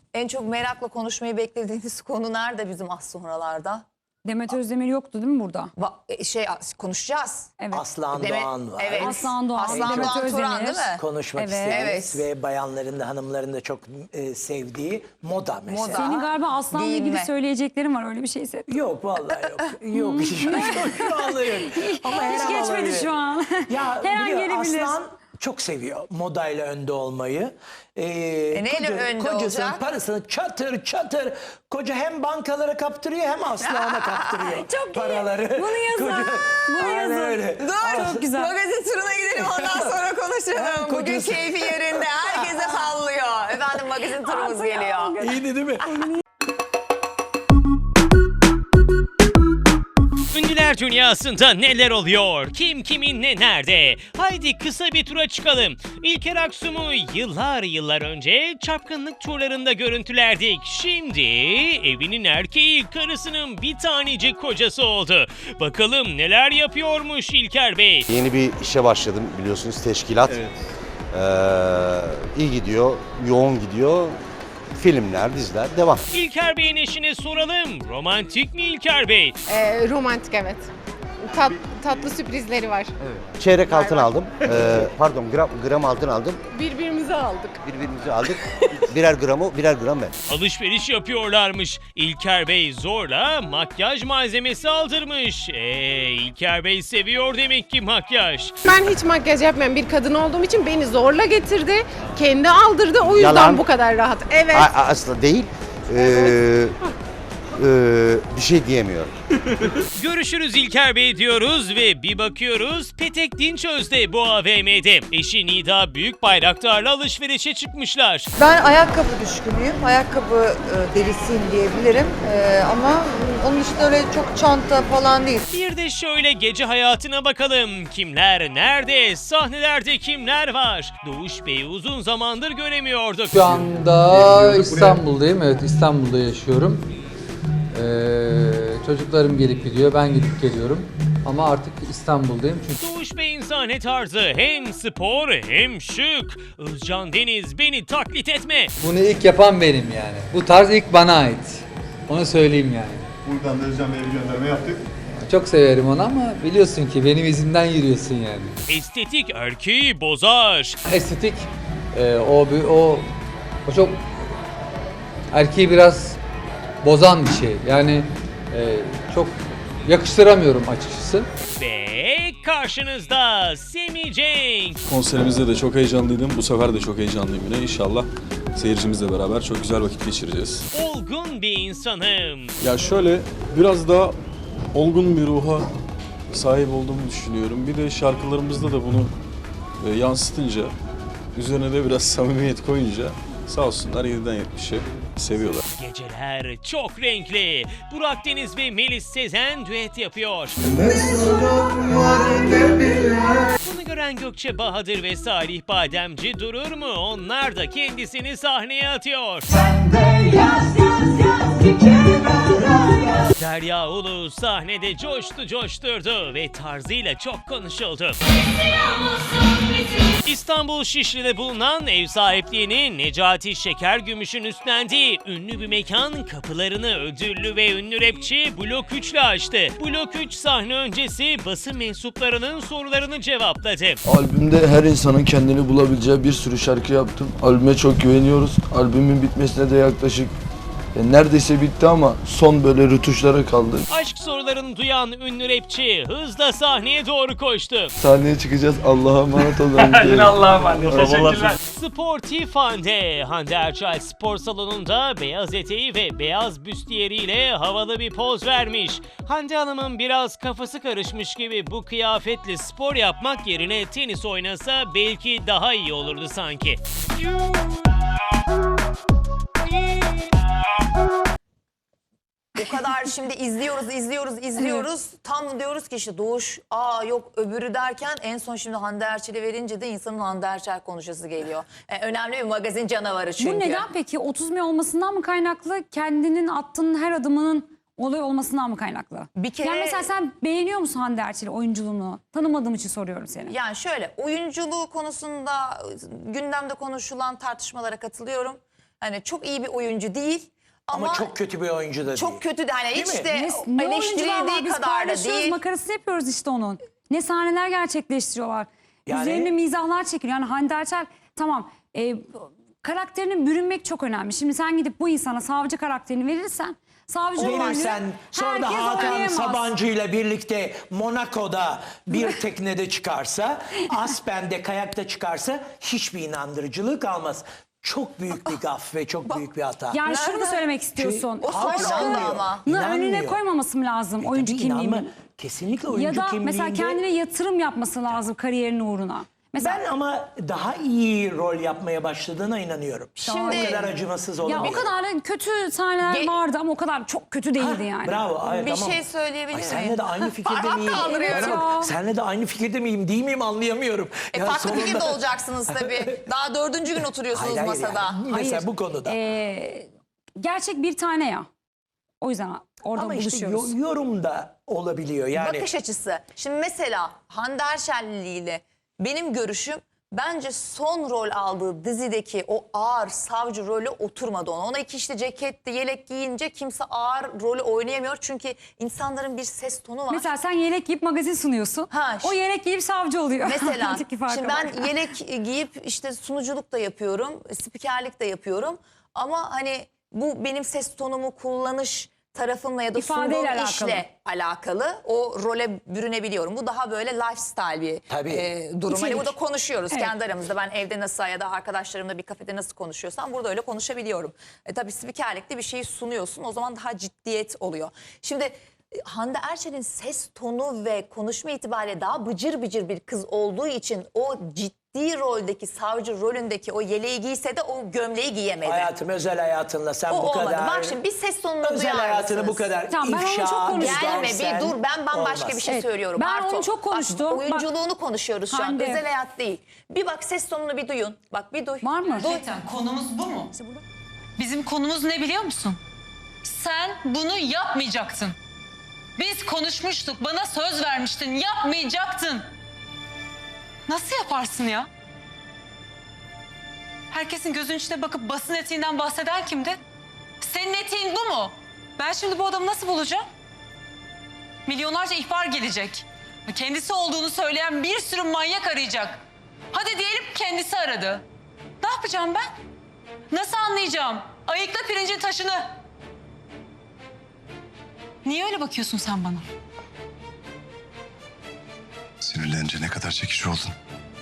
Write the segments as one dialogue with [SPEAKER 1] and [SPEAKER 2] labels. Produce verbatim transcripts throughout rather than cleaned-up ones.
[SPEAKER 1] En çok merakla konuşmayı beklediğiniz konu nerede bizim az sonralarda?
[SPEAKER 2] Demet Özdemir yoktu değil mi burada?
[SPEAKER 1] Va- şey konuşacağız.
[SPEAKER 2] Evet.
[SPEAKER 3] Aslan
[SPEAKER 1] Demet-
[SPEAKER 3] Doğan var.
[SPEAKER 1] Evet.
[SPEAKER 2] Aslan Doğan,
[SPEAKER 1] Aslan
[SPEAKER 2] Demet
[SPEAKER 1] Doğan Turan
[SPEAKER 2] Özdemir.
[SPEAKER 1] değil mi?
[SPEAKER 3] Konuşmak
[SPEAKER 2] Evet.
[SPEAKER 3] istediğimiz
[SPEAKER 1] Evet.
[SPEAKER 3] ve bayanların da hanımların da çok e, sevdiği moda mesela.
[SPEAKER 1] Moda.
[SPEAKER 2] Senin galiba Aslan'la ilgili
[SPEAKER 1] Giyinme.
[SPEAKER 2] söyleyeceklerin var, öyle bir şeyse.
[SPEAKER 3] Yok vallahi yok. Yok şu, şu anda yok. Ama her
[SPEAKER 2] Hiç
[SPEAKER 3] an
[SPEAKER 2] geçmedi
[SPEAKER 3] olabilir.
[SPEAKER 2] şu an.
[SPEAKER 3] Ya
[SPEAKER 2] Her an
[SPEAKER 3] biliyor,
[SPEAKER 2] gelebilir.
[SPEAKER 3] Aslan çok seviyor modayla önde olmayı. Ee,
[SPEAKER 1] E neyle önde
[SPEAKER 3] kocasının
[SPEAKER 1] olacak?
[SPEAKER 3] parasını çatır çatır koca hem bankalara kaptırıyor hem Aslan'a kaptırıyor
[SPEAKER 2] Çok iyi.
[SPEAKER 3] paraları.
[SPEAKER 2] Bunu yazın. Bunu
[SPEAKER 3] Aynen
[SPEAKER 2] yazın.
[SPEAKER 3] öyle.
[SPEAKER 1] Dur.
[SPEAKER 2] Çok güzel.
[SPEAKER 1] Magazin turuna gidelim, ondan sonra konuşalım. Bugün
[SPEAKER 3] Kocası.
[SPEAKER 1] keyfi yerinde. Herkese sallıyor. Efendim magazin turumuz geliyor.
[SPEAKER 3] İyiydi değil mi?
[SPEAKER 4] Ünlüler dünyasında neler oluyor? Kim kiminle nerede? Haydi kısa bir tura çıkalım. İlker Aksum'u yıllar yıllar önce çapkınlık turlarında görüntülerdik. Şimdi evinin erkeği, karısının bir tanecik kocası oldu. Bakalım neler yapıyormuş İlker Bey.
[SPEAKER 5] Yeni bir işe başladım, biliyorsunuz, teşkilat. Ee, iyi gidiyor, yoğun gidiyor. Filmler, diziler devam.
[SPEAKER 4] İlker Bey'in eşine soralım. Romantik mi İlker Bey?
[SPEAKER 6] Ee, romantik, evet. Tat, tatlı sürprizleri var.
[SPEAKER 5] Çeyrek altın aldım. Ee, pardon, gram, gram altın aldım.
[SPEAKER 6] Birbirimizi aldık.
[SPEAKER 5] Birbirimizi aldık. Birer gramı, birer gram ben.
[SPEAKER 4] Alışveriş yapıyorlarmış. İlker Bey zorla makyaj malzemesi aldırmış. Eee İlker Bey seviyor demek ki makyaj.
[SPEAKER 6] Ben hiç makyaj yapmayan bir kadın olduğum için beni zorla getirdi. Kendi aldırdı. O yüzden
[SPEAKER 5] Yalan.
[SPEAKER 6] bu kadar rahat. Evet.
[SPEAKER 5] A- a- aslında değil. Ee, ee, bir şey diyemiyorum.
[SPEAKER 4] Görüşürüz İlker Bey diyoruz ve bir bakıyoruz Petek Dinçöz'de bu A V M'de. Eşi Nida Büyükbayraktar'la alışverişe çıkmışlar.
[SPEAKER 7] Ben ayakkabı düşkünüyüm. Ayakkabı e, delisiyim diyebilirim. E, ama onun dışında öyle çok çanta falan değil.
[SPEAKER 4] Bir de şöyle gece hayatına bakalım. Kimler nerede? Sahnelerde kimler var? Doğuş Bey'i uzun zamandır göremiyorduk.
[SPEAKER 8] Şu anda İstanbul'dayım. Evet, İstanbul'da yaşıyorum. Ee, çocuklarım gelip gidiyor, ben gidip geliyorum. Ama artık İstanbul'dayım çünkü
[SPEAKER 4] Doğuş Bey'in sahne tarzı hem spor hem şık. Özcan Deniz beni taklit etme.
[SPEAKER 8] bunu ilk yapan benim yani. Bu tarz ilk bana ait. Onu söyleyeyim yani.
[SPEAKER 9] Buradan da Özcan Bey'e bir gönderme yaptık.
[SPEAKER 8] Çok severim onu ama biliyorsun ki benim izimden yürüyorsun yani.
[SPEAKER 4] Estetik erkeği bozar.
[SPEAKER 8] Estetik, e, o, bir- o, o çok erkeği biraz bozan bir şey. Yani e, çok yakıştıramıyorum açıkçası.
[SPEAKER 4] Ve karşınızda Semih Cenk.
[SPEAKER 10] Konserimizde de çok heyecanlıydım. Bu sefer de çok heyecanlıyım yine. İnşallah seyircimizle beraber çok güzel vakit geçireceğiz.
[SPEAKER 4] Olgun bir insanım.
[SPEAKER 10] Ya şöyle biraz daha olgun bir ruha sahip olduğumu düşünüyorum. Bir de şarkılarımızda da bunu e, yansıtınca, üzerine de biraz samimiyet koyunca sağ olsunlar yediden yetmişe seviyorlar.
[SPEAKER 4] Geceler çok renkli. Burak Deniz ve Melis Sezen düet yapıyor. Bunu gören Gökçe Bahadır ve Salih Bademci durur mu? Onlar da kendisini sahneye atıyor. Derya Ulu sahnede coştu coşturdu ve tarzıyla çok konuşuldu. İstanbul Şişli'de bulunan ev sahipliğini Necati Şekergümüş'ün üstlendiği ünlü bir mekan kapılarını ödüllü ve ünlü rapçi Blok üç ile açtı. Blok üç sahne öncesi basın mensuplarının sorularını cevapladı.
[SPEAKER 11] Albümde her insanın kendini bulabileceği bir sürü şarkı yaptım. Albüme çok güveniyoruz. Albümün bitmesine de yaklaşık e, neredeyse bitti ama son böyle rötuşlara kaldı.
[SPEAKER 4] Aşk sorularını duyan ünlü rapçi hızla sahneye doğru koştu.
[SPEAKER 11] Sahneye çıkacağız. Allah'a emanet olun. Allah'a emanet. Teşekkürler.
[SPEAKER 4] Sportif Hande, Hande Erçel spor salonunda beyaz eteği ve beyaz büstiyeriyle havalı bir poz vermiş. Hande Hanım'ın biraz kafası karışmış gibi bu kıyafetle spor yapmak yerine tenis oynasa belki daha iyi olurdu sanki.
[SPEAKER 1] O kadar şimdi izliyoruz, izliyoruz, izliyoruz. Tam diyoruz ki işte Doğuş, aa yok öbürü derken en son şimdi Hande Erçel'i verince de insanın Hande Erçel konuşası geliyor. E, önemli bir magazin canavarı çünkü.
[SPEAKER 2] Bu neden peki? otuz May olmasından mı kaynaklı? Kendinin attığın her adımının olay olmasından mı kaynaklı?
[SPEAKER 1] Bir kere...
[SPEAKER 2] Yani mesela sen beğeniyor musun Hande Erçel'i, oyunculuğunu? Tanımadığım için soruyorum seni.
[SPEAKER 1] Yani şöyle, oyunculuğu konusunda gündemde konuşulan tartışmalara katılıyorum. Hani çok iyi bir oyuncu değil. Ama,
[SPEAKER 3] Ama çok kötü bir oyuncu da değil.
[SPEAKER 1] çok kötü de hani
[SPEAKER 3] Değil
[SPEAKER 1] hiç
[SPEAKER 3] mi?
[SPEAKER 1] de
[SPEAKER 2] Ne, ne oyuncular var
[SPEAKER 1] eleştirildiği
[SPEAKER 2] biz
[SPEAKER 1] kadar da
[SPEAKER 2] paylaşıyoruz,
[SPEAKER 1] değil.
[SPEAKER 2] makarasını yapıyoruz işte onun. Ne sahneler gerçekleştiriyorlar.
[SPEAKER 3] Yani-
[SPEAKER 2] Üzerine mizahlar çekiliyor. Yani Hande Erçel tamam e, karakterine bürünmek çok önemli. Şimdi sen gidip bu insana savcı karakterini verirsen savcı rolünü
[SPEAKER 3] Verirsen sonra da
[SPEAKER 2] herkes
[SPEAKER 3] Hakan
[SPEAKER 2] oynayamaz.
[SPEAKER 3] Sabancı ile birlikte Monaco'da bir teknede çıkarsa, Aspen'de kayakta çıkarsa hiçbir inandırıcılığı kalmaz. Çok büyük bir gaf ve çok büyük bir hata.
[SPEAKER 2] Yani şunu mu
[SPEAKER 1] Nerede?
[SPEAKER 2] söylemek istiyorsun?
[SPEAKER 1] O
[SPEAKER 3] Halk
[SPEAKER 1] sonra oldu
[SPEAKER 3] inanmıyor.
[SPEAKER 1] ama.
[SPEAKER 2] Bunu önüne
[SPEAKER 3] İnanmıyor.
[SPEAKER 2] koymaması mı lazım oyuncu
[SPEAKER 3] Tabii inanma,
[SPEAKER 2] kimliğini?
[SPEAKER 3] kesinlikle oyuncu
[SPEAKER 2] Ya da
[SPEAKER 3] kimliğinde.
[SPEAKER 2] mesela kendine yatırım yapması lazım kariyerinin uğruna. Mesela
[SPEAKER 3] Ben ama daha iyi rol yapmaya başladığına inanıyorum.
[SPEAKER 1] Şimdi-
[SPEAKER 3] o kadar acımasız
[SPEAKER 2] ya
[SPEAKER 3] olamıyor.
[SPEAKER 2] o kadar da kötü sahneler
[SPEAKER 1] Ge-
[SPEAKER 2] vardı ama o kadar çok kötü değildi yani.
[SPEAKER 3] Bravo. Evet,
[SPEAKER 1] Bir
[SPEAKER 3] tamam.
[SPEAKER 1] şey söyleyebilir
[SPEAKER 3] Ay,
[SPEAKER 1] miyim?
[SPEAKER 3] senle de aynı fikirde
[SPEAKER 1] Parmak
[SPEAKER 3] miyim?
[SPEAKER 1] kaldırıyorum.
[SPEAKER 3] Bana bak,
[SPEAKER 2] Ya.
[SPEAKER 3] senle de aynı fikirde miyim değil miyim anlayamıyorum.
[SPEAKER 1] E,
[SPEAKER 3] Ya
[SPEAKER 1] farklı
[SPEAKER 3] sonunda-
[SPEAKER 1] fikirde olacaksınız tabii. Daha dördüncü gün oturuyorsunuz
[SPEAKER 3] Hayır, hayır
[SPEAKER 1] masada.
[SPEAKER 3] yani. Mesela
[SPEAKER 2] Hayır.
[SPEAKER 3] bu konuda.
[SPEAKER 2] Ee, gerçek bir tane ya. O yüzden orada
[SPEAKER 3] Ama işte
[SPEAKER 2] buluşuyoruz.
[SPEAKER 3] yo- yorum da olabiliyor yani.
[SPEAKER 1] Bakış açısı. Şimdi mesela Hande Erçelli ile benim görüşüm bence son rol aldığı dizideki o ağır savcı rolü oturmadı ona. Ona iki işte ceketti, yelek giyince kimse ağır rolü oynayamıyor. Çünkü insanların bir ses tonu var.
[SPEAKER 2] Mesela sen yelek giyip magazin sunuyorsun.
[SPEAKER 1] Ha,
[SPEAKER 2] o
[SPEAKER 1] ş-
[SPEAKER 2] yelek giyip savcı oluyor.
[SPEAKER 1] Mesela
[SPEAKER 2] Aradaki farka
[SPEAKER 1] şimdi
[SPEAKER 2] bak.
[SPEAKER 1] ben yelek giyip işte sunuculuk da yapıyorum, spikerlik de yapıyorum. Ama hani bu benim ses tonumu kullanış tarafımla ya da
[SPEAKER 2] İfadeyle
[SPEAKER 1] sunduğum
[SPEAKER 2] alakalı.
[SPEAKER 1] işle alakalı. O role bürünebiliyorum. Bu daha böyle lifestyle bir
[SPEAKER 3] Tabii.
[SPEAKER 1] e, durum. Hani
[SPEAKER 3] İçerik.
[SPEAKER 1] burada konuşuyoruz
[SPEAKER 2] Evet.
[SPEAKER 1] kendi aramızda. Ben evde nasıl ya da arkadaşlarımla bir kafede nasıl konuşuyorsam burada öyle konuşabiliyorum. E, tabii spikerlikte bir şeyi sunuyorsun. O zaman daha ciddiyet oluyor. Şimdi e, Hande Erçel'in ses tonu ve konuşma itibariyle daha bıcır bıcır bir kız olduğu için o ciddi roldeki savcı rolündeki o yeleği giyse de o gömleği giyemedi.
[SPEAKER 3] Hayatım özel hayatınla sen
[SPEAKER 1] O
[SPEAKER 3] bu
[SPEAKER 1] olmadı.
[SPEAKER 3] kadar...
[SPEAKER 1] Bak şimdi bir ses tonunu
[SPEAKER 3] özel
[SPEAKER 1] duyar
[SPEAKER 3] hayatını
[SPEAKER 1] mısınız?
[SPEAKER 3] bu kadar
[SPEAKER 2] Tamam, ben onu
[SPEAKER 3] ifşa
[SPEAKER 2] çok konuştum.
[SPEAKER 1] Gelme
[SPEAKER 3] edersen
[SPEAKER 1] bir dur, ben bambaşka
[SPEAKER 3] olmaz.
[SPEAKER 1] bir şey
[SPEAKER 2] Evet,
[SPEAKER 1] söylüyorum.
[SPEAKER 2] ben
[SPEAKER 1] Arto.
[SPEAKER 2] onu çok konuştum.
[SPEAKER 1] Bak,
[SPEAKER 2] Bak-
[SPEAKER 1] oyunculuğunu konuşuyoruz şu an.
[SPEAKER 2] Hande.
[SPEAKER 1] Özel hayat değil. Bir bak ses tonunu bir duyun. Bak bir duy.
[SPEAKER 2] Var mı?
[SPEAKER 1] Duy.
[SPEAKER 12] Gerçekten konumuz bu mu? Bizim konumuz ne biliyor musun? Sen bunu yapmayacaktın. Biz konuşmuştuk, bana söz vermiştin, yapmayacaktın. Nasıl yaparsın ya? Herkesin gözünün içine bakıp basın etiğinden bahseden kimdi? Senin etiğin bu mu? Ben şimdi bu adamı nasıl bulacağım? Milyonlarca ihbar gelecek. Kendisi olduğunu söyleyen bir sürü manyak arayacak. Hadi diyelim kendisi aradı. Ne yapacağım ben? Nasıl anlayacağım? Ayıkla pirincin taşını. Niye öyle bakıyorsun sen bana?
[SPEAKER 9] Sinirlenince ne kadar çekici oldun.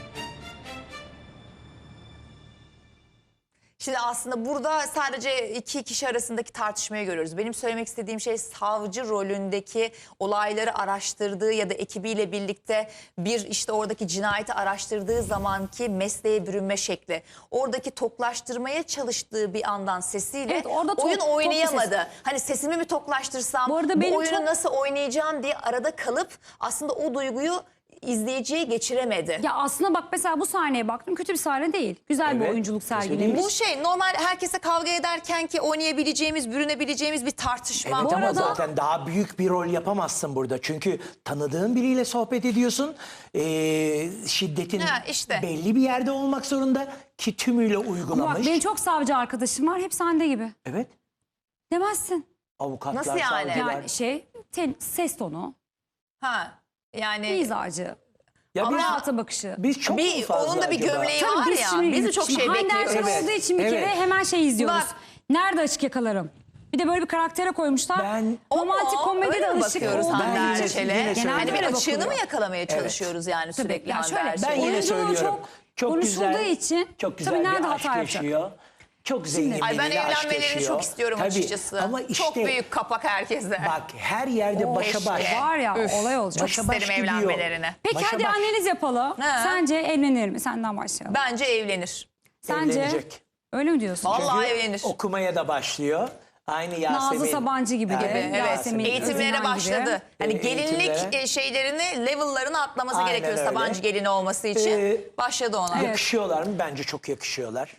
[SPEAKER 1] Şimdi aslında burada sadece iki kişi arasındaki tartışmayı görüyoruz. Benim söylemek istediğim şey savcı rolündeki olayları araştırdığı ya da ekibiyle birlikte bir işte oradaki cinayeti araştırdığı zamanki mesleğe bürünme şekli. Oradaki toklaştırmaya çalıştığı bir andan sesiyle
[SPEAKER 2] Evet, orada tok-
[SPEAKER 1] oyun
[SPEAKER 2] tok bir
[SPEAKER 1] oynayamadı.
[SPEAKER 2] ses.
[SPEAKER 1] Hani sesimi mi toklaştırsam,
[SPEAKER 2] Bu
[SPEAKER 1] bu,
[SPEAKER 2] arada benim
[SPEAKER 1] oyunu
[SPEAKER 2] çok-
[SPEAKER 1] nasıl oynayacağım diye arada kalıp aslında o duyguyu izleyiciye geçiremedi.
[SPEAKER 2] Ya aslında bak mesela bu sahneye baktım, kötü bir sahne değil. Güzel bir
[SPEAKER 3] Evet,
[SPEAKER 2] oyunculuk
[SPEAKER 3] kesinlikle.
[SPEAKER 2] sergilemiş.
[SPEAKER 1] Bu şey normal herkese kavga ederken ki oynayabileceğimiz, bürünebileceğimiz bir tartışma.
[SPEAKER 3] Evet
[SPEAKER 2] Bu
[SPEAKER 3] ama
[SPEAKER 2] arada-
[SPEAKER 3] zaten daha büyük bir rol yapamazsın burada. Çünkü tanıdığın biriyle sohbet ediyorsun. Ee, şiddetin
[SPEAKER 1] Ha, işte.
[SPEAKER 3] belli bir yerde olmak zorunda ki tümüyle
[SPEAKER 2] Ama bak
[SPEAKER 3] uygulamış.
[SPEAKER 2] benim çok savcı arkadaşım var, hepsi Hande gibi.
[SPEAKER 3] Evet.
[SPEAKER 2] Demezsin.
[SPEAKER 3] Avukatlar,
[SPEAKER 1] Nasıl yani?
[SPEAKER 3] savcılar.
[SPEAKER 2] Yani şey, ten- ses tonu,
[SPEAKER 1] Ha yani
[SPEAKER 2] mizacı,
[SPEAKER 3] Ya biz,
[SPEAKER 2] hayata bakışı.
[SPEAKER 3] biz çok mu
[SPEAKER 1] bir
[SPEAKER 3] fazla
[SPEAKER 1] onun da bir
[SPEAKER 3] acaba?
[SPEAKER 1] gömleği
[SPEAKER 2] Tabii
[SPEAKER 1] var
[SPEAKER 2] biz
[SPEAKER 1] ya.
[SPEAKER 2] şimdi,
[SPEAKER 1] Biz de çok
[SPEAKER 2] şimdi
[SPEAKER 1] şey
[SPEAKER 2] Hande
[SPEAKER 1] bekliyoruz.
[SPEAKER 2] Erçel
[SPEAKER 3] Evet,
[SPEAKER 2] olduğu için bir
[SPEAKER 3] evet.
[SPEAKER 2] kere hemen şey izliyoruz.
[SPEAKER 1] Bak.
[SPEAKER 2] Nerede açık yakalarım? Bir de böyle bir karaktere koymuşlar.
[SPEAKER 3] Ben-
[SPEAKER 2] romantik
[SPEAKER 1] O mu?
[SPEAKER 2] komedide
[SPEAKER 1] Öyle mi
[SPEAKER 2] alışık
[SPEAKER 1] bakıyoruz
[SPEAKER 2] olduğu
[SPEAKER 1] Hande
[SPEAKER 3] yine-
[SPEAKER 1] Erçel'e?
[SPEAKER 3] yine
[SPEAKER 2] Genelde
[SPEAKER 1] Hani bir
[SPEAKER 2] öyle
[SPEAKER 1] açığını mı
[SPEAKER 2] bakılıyor.
[SPEAKER 1] yakalamaya çalışıyoruz yani
[SPEAKER 2] Tabii,
[SPEAKER 1] sürekli
[SPEAKER 2] ya
[SPEAKER 1] Hande
[SPEAKER 2] şöyle,
[SPEAKER 1] Erçel'e?
[SPEAKER 3] Ben yine
[SPEAKER 2] Oyunculuğu
[SPEAKER 3] söylüyorum.
[SPEAKER 2] çok
[SPEAKER 3] Çok
[SPEAKER 2] konuşulduğu
[SPEAKER 3] güzel,
[SPEAKER 2] için
[SPEAKER 3] çok güzel
[SPEAKER 2] tabii nerede
[SPEAKER 3] bir
[SPEAKER 2] hata
[SPEAKER 3] aşk
[SPEAKER 2] yapacak?
[SPEAKER 3] yaşıyor. Çok zengin
[SPEAKER 1] Ay ben
[SPEAKER 3] biriyle aşk
[SPEAKER 1] evlenmelerini
[SPEAKER 3] yaşıyor.
[SPEAKER 1] çok istiyorum
[SPEAKER 3] Tabii,
[SPEAKER 1] açıkçası.
[SPEAKER 3] Ama işte
[SPEAKER 1] Çok büyük kapak herkeste.
[SPEAKER 3] bak her yerde başa baş.
[SPEAKER 1] keşke.
[SPEAKER 2] Var ya
[SPEAKER 1] Üf,
[SPEAKER 2] olay olacak.
[SPEAKER 1] Çok
[SPEAKER 3] Başa baş
[SPEAKER 1] isterim
[SPEAKER 3] gidiyor.
[SPEAKER 1] evlenmelerini.
[SPEAKER 2] Peki
[SPEAKER 3] Başa
[SPEAKER 2] hadi
[SPEAKER 3] baş.
[SPEAKER 2] analiz yapalım.
[SPEAKER 1] Ne?
[SPEAKER 2] Sence evlenir mi? Senden başlayalım.
[SPEAKER 1] Bence evlenir.
[SPEAKER 2] Sence?
[SPEAKER 3] Evlenecek.
[SPEAKER 2] Öyle mi diyorsun?
[SPEAKER 1] Vallahi
[SPEAKER 3] Çünkü
[SPEAKER 1] evlenir.
[SPEAKER 3] okumaya da başlıyor. Aynı Yasemin.
[SPEAKER 2] Nazlı Sabancı gibi de.
[SPEAKER 3] Evet,
[SPEAKER 1] Evet.
[SPEAKER 2] Yasemin
[SPEAKER 1] Eğitimlere
[SPEAKER 2] Özinen
[SPEAKER 1] başladı.
[SPEAKER 2] gibi.
[SPEAKER 1] Hani
[SPEAKER 3] Ee,
[SPEAKER 1] gelinlik
[SPEAKER 3] eğitimlere.
[SPEAKER 1] e, şeylerini, level'larını atlaması
[SPEAKER 3] Aynen
[SPEAKER 1] gerekiyor
[SPEAKER 3] öyle.
[SPEAKER 1] Sabancı gelini olması için.
[SPEAKER 3] Ee,
[SPEAKER 1] Başladı ona.
[SPEAKER 3] Yakışıyorlar mı? Bence çok yakışıyorlar.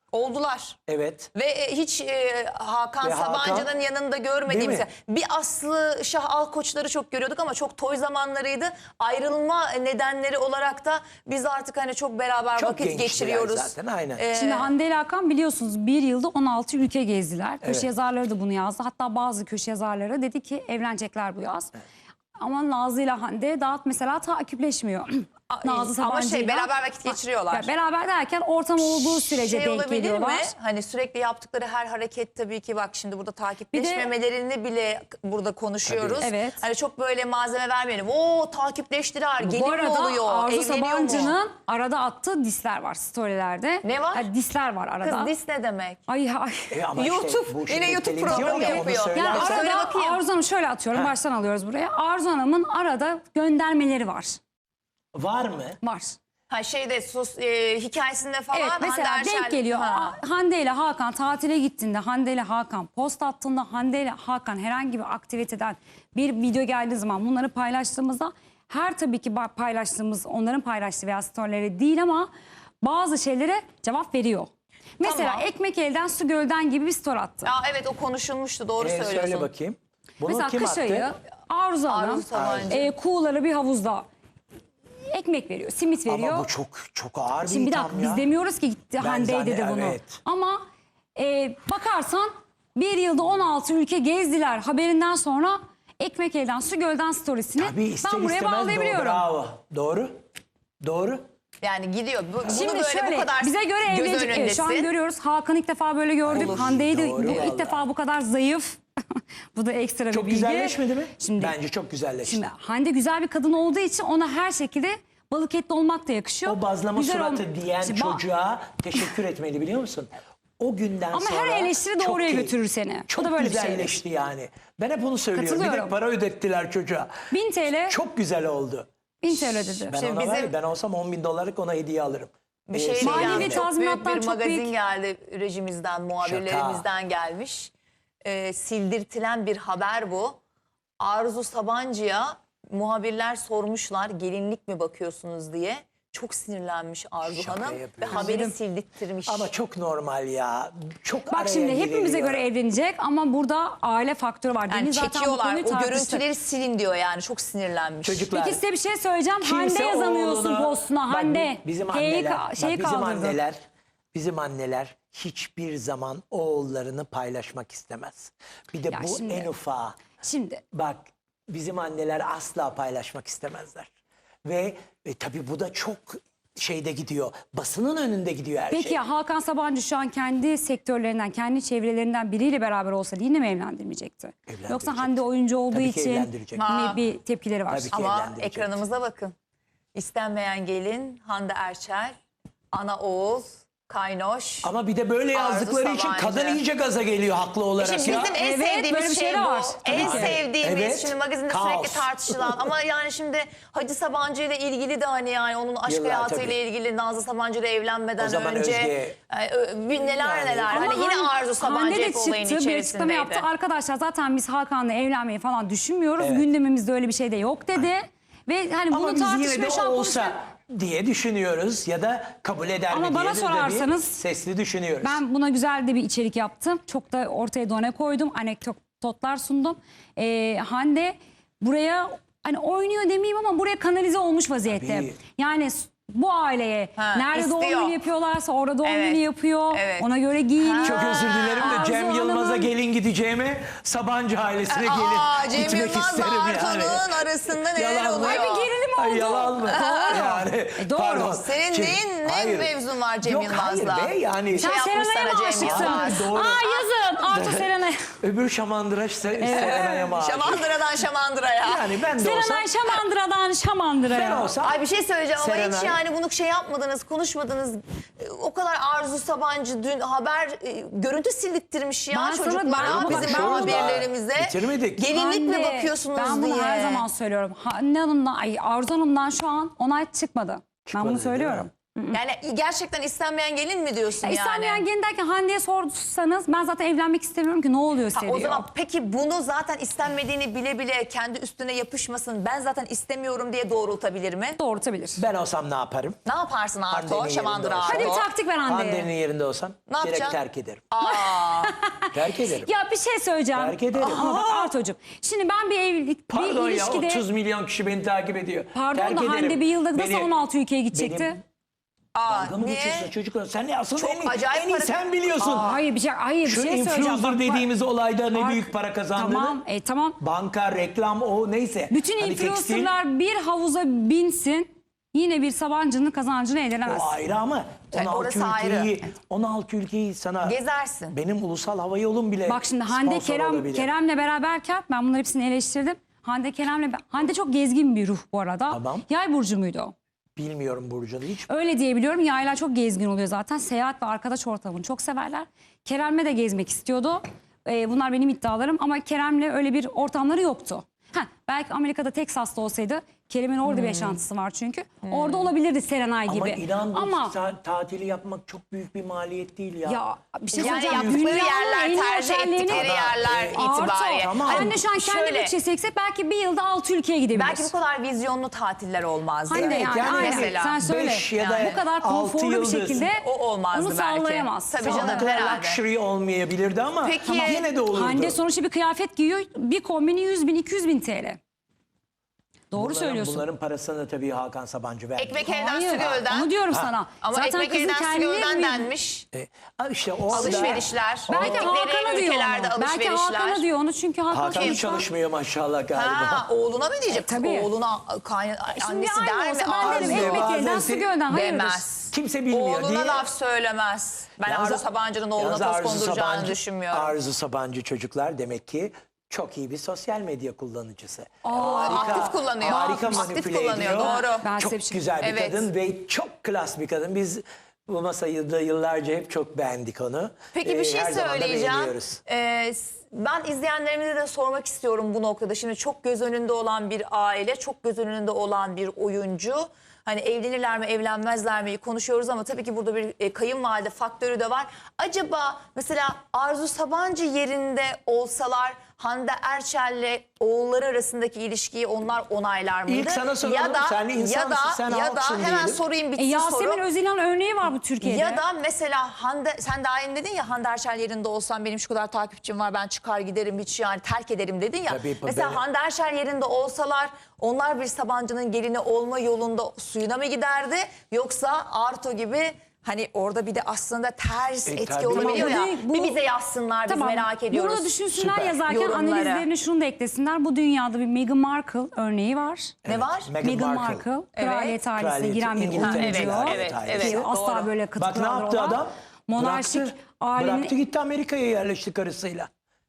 [SPEAKER 1] Oldular.
[SPEAKER 3] Evet.
[SPEAKER 1] Ve e, hiç e, Hakan
[SPEAKER 3] Ve Hakan-
[SPEAKER 1] Sabancı'nın yanında görmediğimiz.
[SPEAKER 3] Değil mi?
[SPEAKER 1] Bir Aslı Şah Alkoçları çok görüyorduk ama çok toy zamanlarıydı. Ayrılma nedenleri olarak da biz artık hani çok beraber
[SPEAKER 3] Çok
[SPEAKER 1] vakit
[SPEAKER 3] gençtiler
[SPEAKER 1] geçiriyoruz.
[SPEAKER 3] zaten, aynen.
[SPEAKER 1] Ee,
[SPEAKER 2] Şimdi Hande ile Hakan biliyorsunuz bir yılda on altı ülke gezdiler. Köşe
[SPEAKER 3] Evet.
[SPEAKER 2] yazarları da bunu yazdı. Hatta bazı köşe yazarları dedi ki evlenecekler bu yaz. Ama Nazlı ile Hande daha mesela takipleşmiyor. Nazlı
[SPEAKER 1] ama şey
[SPEAKER 2] Sabancı'yla-
[SPEAKER 1] beraber vakit geçiriyorlar.
[SPEAKER 2] Ya beraber derken ortam olduğu sürece
[SPEAKER 1] şey
[SPEAKER 2] denk
[SPEAKER 1] olabilir
[SPEAKER 2] geliyorlar.
[SPEAKER 1] mi? Hani sürekli yaptıkları her hareket tabii ki bak şimdi burada takipleşmemelerini bile burada konuşuyoruz.
[SPEAKER 2] Tabii. Evet.
[SPEAKER 1] Hani çok böyle malzeme vermeyelim. Oo takipleştiler. Gelin
[SPEAKER 2] Bu
[SPEAKER 1] mi
[SPEAKER 2] arada
[SPEAKER 1] oluyor?
[SPEAKER 2] Arzu
[SPEAKER 1] Evleniyor mu?
[SPEAKER 2] Sabancı'nın arada attığı disler var storylerde.
[SPEAKER 1] Ne var?
[SPEAKER 2] Ya disler var arada.
[SPEAKER 1] Kız dis ne demek?
[SPEAKER 2] Ay ay.
[SPEAKER 3] E ama
[SPEAKER 1] YouTube,
[SPEAKER 3] işte bu
[SPEAKER 1] yine
[SPEAKER 3] şimdi
[SPEAKER 1] YouTube
[SPEAKER 3] televizyon
[SPEAKER 1] programı
[SPEAKER 3] ya, onu
[SPEAKER 1] yapıyor.
[SPEAKER 3] söylersen-
[SPEAKER 2] Yani
[SPEAKER 1] Söyle
[SPEAKER 2] arada
[SPEAKER 1] bakayım.
[SPEAKER 2] Arzu Hanım şöyle atıyorum. Baştan alıyoruz buraya. Arzu Hanım'ın arada göndermeleri var.
[SPEAKER 3] Var mı?
[SPEAKER 2] Var.
[SPEAKER 1] Ha şeyde sos, e, hikayesinde falan.
[SPEAKER 2] Evet mesela
[SPEAKER 1] Hande Erçel-
[SPEAKER 2] denk geliyor.
[SPEAKER 1] Ha.
[SPEAKER 2] Hande ile Hakan tatile gittiğinde, Hande ile Hakan post attığında, Hande ile Hakan herhangi bir aktiviteden bir video geldiği zaman bunları paylaştığımızda her tabii ki ba- paylaştığımız onların paylaştığı veya storyleri değil ama bazı şeylere cevap veriyor. Mesela
[SPEAKER 1] Tamam.
[SPEAKER 2] ekmek elden su gölden gibi bir story attı.
[SPEAKER 1] Ya evet o konuşulmuştu doğru
[SPEAKER 3] E,
[SPEAKER 1] söylüyorsun.
[SPEAKER 3] söyle bakayım. Bunu
[SPEAKER 2] Mesela
[SPEAKER 3] kim
[SPEAKER 2] kış ayı
[SPEAKER 3] attı?
[SPEAKER 2] Arzu Hanım
[SPEAKER 1] Arzu Sabancı.
[SPEAKER 2] e, kuğuları bir havuzda ekmek veriyor, simit veriyor.
[SPEAKER 3] Ama bu çok çok ağır bir
[SPEAKER 2] Şimdi bir
[SPEAKER 3] itham
[SPEAKER 2] dakika
[SPEAKER 3] ya.
[SPEAKER 2] biz demiyoruz ki gitti
[SPEAKER 3] Ben
[SPEAKER 2] Hande
[SPEAKER 3] zannet-
[SPEAKER 2] dedi bunu.
[SPEAKER 3] evet.
[SPEAKER 2] Ama e, bakarsan bir yılda on altı ülke gezdiler haberinden sonra ekmek elden su gölden storiesini
[SPEAKER 3] Tabii ister
[SPEAKER 2] ben buraya
[SPEAKER 3] istemez doğru,
[SPEAKER 2] bağlayabiliyorum.
[SPEAKER 3] bravo. Doğru. Doğru.
[SPEAKER 1] Yani gidiyor. Bu, bunu
[SPEAKER 2] Şimdi
[SPEAKER 1] böyle
[SPEAKER 2] şöyle
[SPEAKER 1] bu kadar
[SPEAKER 2] bize göre
[SPEAKER 1] göz
[SPEAKER 2] evlenecek. Evet, şu an
[SPEAKER 1] önündesin.
[SPEAKER 2] görüyoruz. Hakan'ı ilk defa böyle gördük.
[SPEAKER 1] Olur.
[SPEAKER 2] Hande'yi de
[SPEAKER 3] Doğru
[SPEAKER 2] bu-
[SPEAKER 3] vallahi.
[SPEAKER 2] ilk defa bu kadar zayıf. Bu da ekstra bir
[SPEAKER 3] Çok
[SPEAKER 2] bilgi.
[SPEAKER 3] güzelleşmedi mi?
[SPEAKER 2] Şimdi,
[SPEAKER 3] Bence çok güzelleşti.
[SPEAKER 2] Şimdi Hande güzel bir kadın olduğu için ona her şekilde balık etli olmak da yakışıyor.
[SPEAKER 3] O bazlama
[SPEAKER 2] Güzel
[SPEAKER 3] suratı
[SPEAKER 2] olm-
[SPEAKER 3] diyen
[SPEAKER 2] Şimdi ba-
[SPEAKER 3] çocuğa teşekkür etmeli biliyor musun? O günden
[SPEAKER 2] Ama
[SPEAKER 3] sonra...
[SPEAKER 2] her eleştiri
[SPEAKER 3] çok
[SPEAKER 2] doğruya
[SPEAKER 3] keyif-
[SPEAKER 2] götürür seni. Bu
[SPEAKER 3] Çok
[SPEAKER 2] da böyle bir şeydir.
[SPEAKER 3] güzelleşti yani. Ben hep onu söylüyorum. Bir de
[SPEAKER 2] Katılıyorum.
[SPEAKER 3] para ödettiler çocuğa.
[SPEAKER 2] bin TL,
[SPEAKER 3] Çok güzel oldu.
[SPEAKER 2] bin TL dedi.
[SPEAKER 3] Ben
[SPEAKER 1] Şimdi
[SPEAKER 3] ona var ya,
[SPEAKER 1] bizim-
[SPEAKER 3] ben olsam on bin dolarlık ona hediye alırım.
[SPEAKER 1] Bir
[SPEAKER 3] Ee,
[SPEAKER 1] şey
[SPEAKER 3] şey
[SPEAKER 2] Manevi
[SPEAKER 3] yani.
[SPEAKER 2] ve
[SPEAKER 1] çok büyük
[SPEAKER 2] tazminattan
[SPEAKER 1] bir
[SPEAKER 2] çok
[SPEAKER 1] magazin
[SPEAKER 2] büyük.
[SPEAKER 1] geldi rejimizden, muhabirlerimizden gelmiş. Ee, sildirtilen bir haber bu. Arzu Sabancı'ya muhabirler sormuşlar gelinlik mi bakıyorsunuz diye. Çok sinirlenmiş Arzu
[SPEAKER 3] Şaka
[SPEAKER 1] Hanım ve
[SPEAKER 3] yapıyorsun.
[SPEAKER 1] haberi sildirttirmiş.
[SPEAKER 3] Ama çok normal ya. Çok
[SPEAKER 2] Bak
[SPEAKER 3] araya
[SPEAKER 2] şimdi hepimize
[SPEAKER 3] giriliyor.
[SPEAKER 2] göre evlenecek ama burada aile faktörü var.
[SPEAKER 1] yani
[SPEAKER 2] Deniz zaten bu
[SPEAKER 1] çekiyorlar.
[SPEAKER 2] konuyu
[SPEAKER 1] O
[SPEAKER 2] tartıştı.
[SPEAKER 1] görüntüleri silin diyor yani. Çok sinirlenmiş.
[SPEAKER 3] Çocuklar.
[SPEAKER 2] Peki size bir şey söyleyeceğim.
[SPEAKER 3] Kimse
[SPEAKER 2] Hande yazamıyorsun
[SPEAKER 3] oğlunu-
[SPEAKER 2] postuna.
[SPEAKER 3] Bak,
[SPEAKER 2] Hande.
[SPEAKER 3] Bizim
[SPEAKER 2] H'yi
[SPEAKER 3] anneler,
[SPEAKER 2] ka-
[SPEAKER 3] bak,
[SPEAKER 2] şeyi
[SPEAKER 3] bizim
[SPEAKER 2] kaldırdı.
[SPEAKER 3] anneler, bizim anneler hiçbir zaman oğullarını paylaşmak istemez. Bir de
[SPEAKER 2] Ya
[SPEAKER 3] bu
[SPEAKER 2] şimdi-
[SPEAKER 3] en ufağı.
[SPEAKER 2] Şimdi
[SPEAKER 3] Bak bizim anneler asla paylaşmak istemezler. Ve e, tabii bu da çok şeyde gidiyor. Basının önünde gidiyor her
[SPEAKER 2] peki
[SPEAKER 3] şey.
[SPEAKER 2] ya Hakan Sabancı şu an kendi sektörlerinden, kendi çevrelerinden biriyle beraber olsa yine mi evlendirmeyecekti?
[SPEAKER 3] Evlendirecek.
[SPEAKER 2] Yoksa Hande oyuncu olduğu
[SPEAKER 3] Tabii ki
[SPEAKER 2] için
[SPEAKER 3] evlendirecek.
[SPEAKER 2] mi
[SPEAKER 1] Ha.
[SPEAKER 2] bir tepkileri var?
[SPEAKER 3] Tabii ki.
[SPEAKER 1] Ama
[SPEAKER 3] evlendirecek.
[SPEAKER 1] ekranımıza bakın. İstenmeyen gelin Hande Erçel, ana oğul, kaynoş.
[SPEAKER 3] Ama bir de böyle
[SPEAKER 1] Arzu
[SPEAKER 3] yazdıkları için
[SPEAKER 1] Sabancı.
[SPEAKER 3] kadın iyice gaza geliyor haklı olarak.
[SPEAKER 1] Şimdi
[SPEAKER 3] ya.
[SPEAKER 1] bizim en
[SPEAKER 2] Evet, böyle
[SPEAKER 1] sevdiğimiz
[SPEAKER 2] bir
[SPEAKER 1] şey,
[SPEAKER 2] şey de
[SPEAKER 1] bu.
[SPEAKER 2] var.
[SPEAKER 1] En
[SPEAKER 3] Tabii ki.
[SPEAKER 1] sevdiğimiz
[SPEAKER 3] Evet.
[SPEAKER 1] şimdi magazinde
[SPEAKER 3] Kaos.
[SPEAKER 1] sürekli tartışılan ama yani şimdi Hacı Sabancı ile ilgili de hani yani onun aşk
[SPEAKER 3] Yıllar,
[SPEAKER 1] hayatıyla
[SPEAKER 3] tabii.
[SPEAKER 1] ilgili Nazlı Sabancı ile evlenmeden
[SPEAKER 3] O zaman
[SPEAKER 1] önce
[SPEAKER 3] Özge-
[SPEAKER 1] e, ö- bir neler
[SPEAKER 3] Yani-
[SPEAKER 1] neler
[SPEAKER 2] Ama
[SPEAKER 1] hani yine
[SPEAKER 2] Han-
[SPEAKER 1] Arzu Sabancı
[SPEAKER 2] Hande de
[SPEAKER 1] hep olayın
[SPEAKER 2] çıktı, bir açıklama yaptı.
[SPEAKER 1] içerisindeydi.
[SPEAKER 2] Arkadaşlar zaten biz Hakan'la evlenmeyi falan düşünmüyoruz.
[SPEAKER 3] Evet.
[SPEAKER 2] Gündemimizde öyle bir şey de yok dedi. Ve hani
[SPEAKER 3] Ama
[SPEAKER 2] bunu
[SPEAKER 3] biz yine
[SPEAKER 2] tartışmaya
[SPEAKER 3] de
[SPEAKER 2] şu an
[SPEAKER 3] olsa
[SPEAKER 2] konuşuyor.
[SPEAKER 3] diye düşünüyoruz ya da kabul eder
[SPEAKER 2] Ama
[SPEAKER 3] mi
[SPEAKER 2] bana
[SPEAKER 3] diye de
[SPEAKER 2] sorarsanız,
[SPEAKER 3] bir sesli düşünüyoruz.
[SPEAKER 2] Ben buna güzel de bir içerik yaptım. Çok da ortaya done koydum. Anekdotlar sundum. Ee, Hande buraya hani oynuyor demeyeyim ama buraya kanalize olmuş vaziyette.
[SPEAKER 3] Tabii.
[SPEAKER 2] Yani s- bu aileye
[SPEAKER 1] Ha,
[SPEAKER 2] nerede doğum
[SPEAKER 1] istiyor.
[SPEAKER 2] günü yapıyorlarsa orada doğum
[SPEAKER 1] Evet.
[SPEAKER 2] günü yapıyor.
[SPEAKER 1] Evet.
[SPEAKER 2] Ona göre giyiniyor.
[SPEAKER 3] Çok özür dilerim de
[SPEAKER 2] Arzu
[SPEAKER 3] Cem Yılmaz'a
[SPEAKER 2] Hanım'ın-
[SPEAKER 3] gelin gideceğime Sabancı ailesine gelin
[SPEAKER 1] Aa, Cem
[SPEAKER 3] gitmek
[SPEAKER 1] Yılmaz'la
[SPEAKER 3] isterim yani.
[SPEAKER 1] Arzu'nun arasında neler
[SPEAKER 3] Yalan mı?
[SPEAKER 1] oluyor?
[SPEAKER 2] Ay bir gerilim
[SPEAKER 3] Ay,
[SPEAKER 2] oldu.
[SPEAKER 3] yalan mı? Yani,
[SPEAKER 2] doğru.
[SPEAKER 3] pardon.
[SPEAKER 1] Senin
[SPEAKER 3] Cem-
[SPEAKER 1] neyin, ne
[SPEAKER 3] hayır.
[SPEAKER 1] mevzun var Cem
[SPEAKER 3] Yok,
[SPEAKER 1] Yılmaz'la?
[SPEAKER 3] hayır be yani.
[SPEAKER 2] Sen
[SPEAKER 1] Şey yapmış
[SPEAKER 2] Serenay'a
[SPEAKER 1] sana
[SPEAKER 2] mı
[SPEAKER 1] Cem
[SPEAKER 2] aşıksın?
[SPEAKER 1] Yılmaz.
[SPEAKER 3] Doğru.
[SPEAKER 2] Aa yazın. Arzu Serenay.
[SPEAKER 3] Öbür Şamandıraş Se Serenay'a mı aşık?
[SPEAKER 1] Şamandıra'dan Şamandıra'ya.
[SPEAKER 3] Yani ben de olsam,
[SPEAKER 2] Serenay Şamandıra'dan Şamandıra'ya.
[SPEAKER 3] ben olsam
[SPEAKER 1] Ay bir şey söyleyeceğim ama hiç
[SPEAKER 3] Serenay.
[SPEAKER 1] yani bunu şey yapmadınız, konuşmadınız. E, O kadar Arzu Sabancı dün haber e, görüntü sildirttirmiş ya
[SPEAKER 2] Ben sana-
[SPEAKER 1] çocuklara,
[SPEAKER 2] ben- ama bak,
[SPEAKER 1] bizim
[SPEAKER 2] ben-
[SPEAKER 1] muhabirlerimize.
[SPEAKER 3] Bitirmedik.
[SPEAKER 1] Gelinlik mi
[SPEAKER 2] Hande,
[SPEAKER 1] bakıyorsunuz
[SPEAKER 2] ben
[SPEAKER 1] diye.
[SPEAKER 2] bunu her zaman söylüyorum. Hande Hanım'dan, ay Arzu Hanım'dan şu an onay çıkmadı. Ben
[SPEAKER 3] Çıkmadı,
[SPEAKER 2] bunu
[SPEAKER 3] değil
[SPEAKER 2] söylüyorum.
[SPEAKER 3] mi?
[SPEAKER 1] Yani gerçekten istenmeyen gelin mi diyorsun
[SPEAKER 2] Ya
[SPEAKER 1] yani?
[SPEAKER 2] İstenmeyen gelin derken Hande'ye sorsanız ben zaten evlenmek istemiyorum ki ne oluyor
[SPEAKER 1] Ha,
[SPEAKER 2] size
[SPEAKER 1] o
[SPEAKER 2] diyor.
[SPEAKER 1] zaman peki bunu zaten istenmediğini bile bile kendi üstüne yapışmasın, ben zaten istemiyorum diye doğrultabilir mi?
[SPEAKER 2] Doğrultabilir.
[SPEAKER 3] Ben olsam ne yaparım?
[SPEAKER 1] Ne yaparsın
[SPEAKER 3] Hande'nin
[SPEAKER 1] Arto?
[SPEAKER 3] yerinde
[SPEAKER 1] Şamandıra
[SPEAKER 3] olsam.
[SPEAKER 1] Arto.
[SPEAKER 2] Hadi bir taktik ver
[SPEAKER 3] Hande'nin
[SPEAKER 2] Hande'ye.
[SPEAKER 3] yerinde olsam
[SPEAKER 1] Ne
[SPEAKER 3] direkt
[SPEAKER 1] yapacaksın?
[SPEAKER 3] terk ederim.
[SPEAKER 1] Aa,
[SPEAKER 3] Terk ederim.
[SPEAKER 2] Ya bir şey söyleyeceğim.
[SPEAKER 3] Terk ederim.
[SPEAKER 2] Ama bak Artocuğum. Şimdi ben bir evlilik,
[SPEAKER 3] Pardon
[SPEAKER 2] bir
[SPEAKER 3] ya
[SPEAKER 2] ilişkide...
[SPEAKER 3] otuz milyon kişi beni takip ediyor.
[SPEAKER 2] Pardon
[SPEAKER 3] Terk
[SPEAKER 2] da
[SPEAKER 3] ederim.
[SPEAKER 2] Hande bir yılda nasıl
[SPEAKER 3] Beni-
[SPEAKER 2] on altı ülkeye gidecekti?
[SPEAKER 3] Benim-
[SPEAKER 1] aa
[SPEAKER 3] Dalga mı
[SPEAKER 1] niye?
[SPEAKER 3] geçiyorsun çocuklar? Sen ne asıl
[SPEAKER 1] Çok
[SPEAKER 3] en, iyi-
[SPEAKER 1] acayip
[SPEAKER 3] en iyi
[SPEAKER 1] para-
[SPEAKER 3] sen biliyorsun.
[SPEAKER 2] Aa, hayır bir şey, hayır bir
[SPEAKER 3] Şu
[SPEAKER 2] şey söyleyeceğim.
[SPEAKER 3] influencer
[SPEAKER 2] Bak,
[SPEAKER 3] dediğimiz olayda ne
[SPEAKER 2] Bak,
[SPEAKER 3] büyük para kazandığını.
[SPEAKER 2] Tamam, e, tamam.
[SPEAKER 3] Banka, reklam o neyse.
[SPEAKER 2] Bütün
[SPEAKER 3] Hani tekstil,
[SPEAKER 2] influencerlar bir havuza binsin. Yine bir Sabancı'nın kazancını elde edemez.
[SPEAKER 3] o ayrı ama
[SPEAKER 1] Evet,
[SPEAKER 3] on altı
[SPEAKER 1] orası
[SPEAKER 3] ülkeyi,
[SPEAKER 1] ayrı.
[SPEAKER 3] on altı ülkeyi sana
[SPEAKER 1] Gezersin.
[SPEAKER 3] benim ulusal hava yolum bile
[SPEAKER 2] Bak şimdi Hande
[SPEAKER 3] sponsor
[SPEAKER 2] Kerem
[SPEAKER 3] olabilir.
[SPEAKER 2] Kerem'le beraberken ben bunları hepsini eleştirdim. Hande Kerem'le Hande çok gezgin bir ruh bu arada.
[SPEAKER 3] Tamam.
[SPEAKER 2] Yay burcu muydu o?
[SPEAKER 3] Bilmiyorum Burcu'nu hiç.
[SPEAKER 2] Öyle diyebiliyorum. Yaylar çok gezgin oluyor zaten. Seyahat ve arkadaş ortamını çok severler. Kerem'le de gezmek istiyordu. Ee, bunlar benim iddialarım ama Kerem'le öyle bir ortamları yoktu. Heh, belki Amerika'da Teksas'ta olsaydı Kerem'in orada bir yaşantısı var çünkü. Orada olabilirdi Serenay
[SPEAKER 3] Ama
[SPEAKER 2] gibi.
[SPEAKER 3] inan bu
[SPEAKER 2] Ama
[SPEAKER 3] ta- tatili yapmak çok büyük bir maliyet değil ya.
[SPEAKER 2] ya bir şey
[SPEAKER 1] Yani
[SPEAKER 2] söyleyeceğim.
[SPEAKER 1] yaptıkları
[SPEAKER 2] Dünyanın en
[SPEAKER 1] yerler,
[SPEAKER 2] iyi
[SPEAKER 1] tercih
[SPEAKER 2] otellerini-
[SPEAKER 1] ettikleri yerler
[SPEAKER 2] Arto,
[SPEAKER 1] itibariyle.
[SPEAKER 3] Tamam.
[SPEAKER 2] Anne şu an kendi
[SPEAKER 1] Şöyle,
[SPEAKER 2] bütçesi seksek belki bir yılda altı ülkeye gidebilir.
[SPEAKER 1] belki bu kadar vizyonlu tatiller olmazdı.
[SPEAKER 2] Hande
[SPEAKER 3] Evet,
[SPEAKER 2] yani,
[SPEAKER 3] yani
[SPEAKER 2] aynen.
[SPEAKER 1] mesela
[SPEAKER 2] Sen söyle.
[SPEAKER 3] beş ya da
[SPEAKER 2] bu kadar
[SPEAKER 3] altı
[SPEAKER 2] konforlu bir
[SPEAKER 3] yıldız.
[SPEAKER 2] şekilde
[SPEAKER 1] O olmazdı
[SPEAKER 2] onu
[SPEAKER 1] belki.
[SPEAKER 2] sağlayamaz.
[SPEAKER 1] Tabii
[SPEAKER 3] Ama
[SPEAKER 1] canım,
[SPEAKER 3] o kadar
[SPEAKER 1] herhalde.
[SPEAKER 3] luxury olmayabilirdi ama
[SPEAKER 1] Peki.
[SPEAKER 3] Tamam, yine de olurdu.
[SPEAKER 2] Hande sonuçta bir kıyafet giyiyor. Bir kombini yüz bin iki yüz bin T L. Doğru
[SPEAKER 3] Bunların-
[SPEAKER 2] söylüyorsun.
[SPEAKER 3] Bunların parasını tabii Hakan Sabancı verdi.
[SPEAKER 1] Ekmek elden
[SPEAKER 2] Hayır,
[SPEAKER 1] su gölden.
[SPEAKER 2] onu diyorum
[SPEAKER 3] Ha.
[SPEAKER 2] sana.
[SPEAKER 1] Ama
[SPEAKER 2] Zaten
[SPEAKER 1] ekmek
[SPEAKER 2] kızın
[SPEAKER 1] elden su
[SPEAKER 2] kendine
[SPEAKER 1] gölden
[SPEAKER 2] bir-
[SPEAKER 1] denmiş.
[SPEAKER 3] E, ha işte o anda-
[SPEAKER 1] Alışverişler.
[SPEAKER 2] Belki
[SPEAKER 1] Gittikleri
[SPEAKER 2] Hakan'a diyor
[SPEAKER 1] ülkelerde
[SPEAKER 2] onu. Belki
[SPEAKER 1] alışverişler.
[SPEAKER 2] Hakan'a diyor onu çünkü Hakan,
[SPEAKER 3] Hakan
[SPEAKER 2] sonuçta-
[SPEAKER 3] çalışmıyor maşallah galiba.
[SPEAKER 1] Ha, oğluna mı diyecek?
[SPEAKER 2] tabii.
[SPEAKER 1] Oğluna kayna,
[SPEAKER 2] Şimdi
[SPEAKER 1] annesi
[SPEAKER 2] aynı
[SPEAKER 1] der mi?
[SPEAKER 2] olsa ben derim
[SPEAKER 1] Arzu
[SPEAKER 2] ekmek
[SPEAKER 3] bazen
[SPEAKER 2] elden
[SPEAKER 3] se-
[SPEAKER 2] su gölden. Hayırdır?
[SPEAKER 1] demez.
[SPEAKER 3] Kimse bilmiyor
[SPEAKER 1] Oğluna
[SPEAKER 3] diye.
[SPEAKER 1] laf söylemez. Ben
[SPEAKER 3] Yalnız-
[SPEAKER 1] Arzu Sabancı'nın oğluna
[SPEAKER 3] yalnız
[SPEAKER 1] toz
[SPEAKER 3] Arzu
[SPEAKER 1] konduracağını
[SPEAKER 3] Sabancı-
[SPEAKER 1] düşünmüyorum.
[SPEAKER 3] Arzu Sabancı çocuklar demek ki çok iyi bir sosyal medya kullanıcısı.
[SPEAKER 1] aktif kullanıyor.
[SPEAKER 3] Harika
[SPEAKER 1] Aktif
[SPEAKER 3] manipüle
[SPEAKER 1] kullanıyor,
[SPEAKER 3] ediyor.
[SPEAKER 1] doğru.
[SPEAKER 2] Ben
[SPEAKER 3] Çok
[SPEAKER 2] size bir şey-
[SPEAKER 3] güzel bir
[SPEAKER 1] Evet.
[SPEAKER 3] kadın ve çok klas bir kadın. Biz bu masayı da yıllarca hep çok beğendik onu.
[SPEAKER 1] Peki bir
[SPEAKER 3] Ee,
[SPEAKER 1] şey
[SPEAKER 3] her zaman da
[SPEAKER 1] söyleyeceğim.
[SPEAKER 3] beğeniyoruz.
[SPEAKER 1] Ee, s- ben izleyenlerimize de sormak istiyorum bu noktada. Şimdi çok göz önünde olan bir aile, çok göz önünde olan bir oyuncu. Hani evlenirler mi, evlenmezler mi konuşuyoruz ama tabii ki burada bir e, kayınvalide faktörü de var. Acaba mesela Arzu Sabancı yerinde olsalar Hande Erçel'le oğulları arasındaki ilişkiyi onlar onaylar mıydı?
[SPEAKER 3] İlk sana soralım.
[SPEAKER 1] Ya da
[SPEAKER 3] Sen insansın,
[SPEAKER 1] ya da
[SPEAKER 3] sen
[SPEAKER 1] ya da
[SPEAKER 3] halksın
[SPEAKER 1] hemen
[SPEAKER 3] diyelim.
[SPEAKER 1] sorayım
[SPEAKER 2] E,
[SPEAKER 1] bitsin
[SPEAKER 2] Yasemin
[SPEAKER 1] soru.
[SPEAKER 2] Özilhan örneği var bu Türkiye'de.
[SPEAKER 1] Ya da mesela Hande, sen daha yeni dedin ya Hande Erçel yerinde olsam benim şu kadar takipçim var ben çıkar giderim hiç yani terk ederim dedin ya.
[SPEAKER 3] Tabii,
[SPEAKER 1] mesela
[SPEAKER 3] ben-
[SPEAKER 1] Hande Erçel yerinde olsalar onlar bir Sabancı'nın gelini olma yolunda suyuna mı giderdi? Yoksa Arto gibi hani orada bir de aslında ters
[SPEAKER 3] E,
[SPEAKER 1] etki
[SPEAKER 3] tabii.
[SPEAKER 1] olabiliyor
[SPEAKER 2] Ama
[SPEAKER 1] ya.
[SPEAKER 2] bu- bu-
[SPEAKER 1] bir bize yazsınlar biz merak ediyoruz.
[SPEAKER 2] Bunu düşünsünler
[SPEAKER 3] Süper.
[SPEAKER 2] yazarken
[SPEAKER 1] Yorumları.
[SPEAKER 2] analizlerine şunu da eklesinler. Bu dünyada bir Meghan Markle örneği var.
[SPEAKER 1] Ne var?
[SPEAKER 3] Meghan
[SPEAKER 2] Meghan
[SPEAKER 3] Markle.
[SPEAKER 2] Markle,
[SPEAKER 1] Evet.
[SPEAKER 2] kraliyet ailesine
[SPEAKER 3] Kraliyet,
[SPEAKER 2] giren bir
[SPEAKER 3] İngiltere
[SPEAKER 2] oyuncu.
[SPEAKER 3] kraliyet
[SPEAKER 1] Evet,
[SPEAKER 3] ailesi.
[SPEAKER 1] evet.
[SPEAKER 2] Asla
[SPEAKER 1] Doğru.
[SPEAKER 2] böyle
[SPEAKER 3] Bak ne
[SPEAKER 2] katıklardır
[SPEAKER 3] yaptı
[SPEAKER 2] olan.
[SPEAKER 3] adam?
[SPEAKER 2] Monarşik
[SPEAKER 3] Bıraktı.
[SPEAKER 2] ailenin
[SPEAKER 3] Bıraktı gitti Amerika'ya yerleşti karısıyla.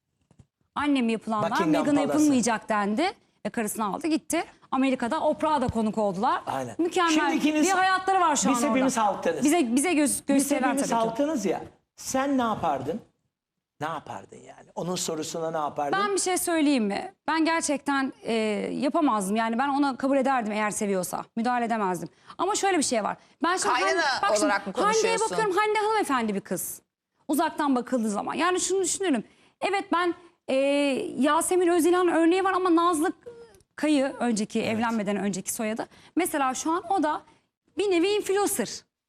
[SPEAKER 2] annem yapılanlar
[SPEAKER 3] Buckingham
[SPEAKER 2] Meghan'a
[SPEAKER 3] Palace'ı.
[SPEAKER 2] yapılmayacak dendi. Ve karısını aldı gitti. Amerika'da Oprah'a da konuk oldular.
[SPEAKER 3] Aynen.
[SPEAKER 2] Mükemmel
[SPEAKER 3] Şimdi ikiniz-
[SPEAKER 2] bir hayatları var şu
[SPEAKER 3] biz
[SPEAKER 2] an orada.
[SPEAKER 3] hepimiz halktanız.
[SPEAKER 2] Bize, bize göz,
[SPEAKER 3] Biz
[SPEAKER 2] gösteriler
[SPEAKER 3] hepimiz
[SPEAKER 2] tabii ki.
[SPEAKER 3] halktanız ya. Sen ne yapardın? Ne yapardın yani? Onun sorusuna ne yapardın?
[SPEAKER 2] Ben bir şey söyleyeyim mi? Ben gerçekten e, yapamazdım. Yani ben ona kabul ederdim eğer seviyorsa. Müdahale edemezdim. Ama şöyle bir şey var. Ben şimdi
[SPEAKER 1] Kaynana
[SPEAKER 2] Hande- bak şimdi,
[SPEAKER 1] olarak mı
[SPEAKER 2] Hande'ye
[SPEAKER 1] konuşuyorsun?
[SPEAKER 2] bakıyorum. Hande hanımefendi bir kız. Uzaktan bakıldığı zaman. Yani şunu düşünüyorum. Evet ben e, Yasemin Özilhan örneği var ama Nazlı Kayı önceki evlenmeden önceki soyadı. Mesela şu an o da bir nevi influencer.